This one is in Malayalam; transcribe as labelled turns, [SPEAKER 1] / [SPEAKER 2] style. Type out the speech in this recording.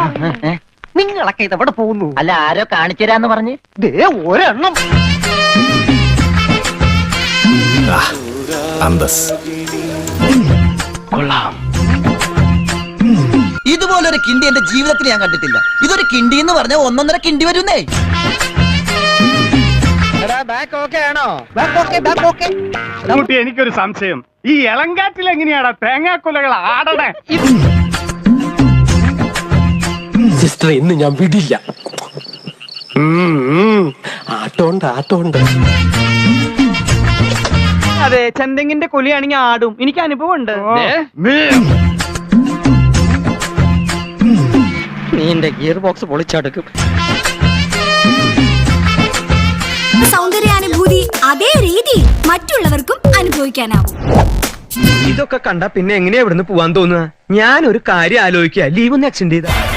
[SPEAKER 1] നിങ്ങളൊക്കെ ഇതെവിടെ പോകുന്നു?
[SPEAKER 2] അല്ല, ആരോ കാണിച്ചു തരാന്ന് പറഞ്ഞ്.
[SPEAKER 1] ദേ ഒരെണ്ണം.
[SPEAKER 3] ഇതുപോലൊരു കിണ്ടി എന്റെ ജീവിതത്തിൽ ഞാൻ കണ്ടിട്ടില്ല. ഇതൊരു കിണ്ടി എന്ന് പറഞ്ഞാൽ 1.5 കിണ്ടി വരുന്നേ.
[SPEAKER 4] എനിക്കൊരു സംശയം, ഈ ഇളങ്കാറ്റിൽ എങ്ങനെയാടാ തേങ്ങാക്കൊലകൾ ആടണേ?
[SPEAKER 5] സിസ്റ്റർ, ഇന്ന് ഞാൻ വിടില്ല. ആട്ടോണ്ട്.
[SPEAKER 1] അതെ, ചെന്തെങ്ങിന്റെ കൊലിയാണെങ്കിൽ ആടും. എനിക്ക് അനുഭവം ഉണ്ട്. നീന്റെ ഗിയർ ബോക്സ് പൊളിച്ചടുക്കും.
[SPEAKER 6] സൗന്ദര്യാനുഭൂതി അതേ രീതി മറ്റുള്ളവർക്കും അനുഭവിക്കാനാവും.
[SPEAKER 1] ഇതൊക്കെ കണ്ട പിന്നെ എങ്ങനെയാ ഇവിടുന്ന് പോവാൻ തോന്നുക? ഞാൻ ഒരു കാര്യം ആലോചിക്കുക, ലീവ് ഒന്ന് എക്സ്റ്റെൻഡ് ചെയ്ത.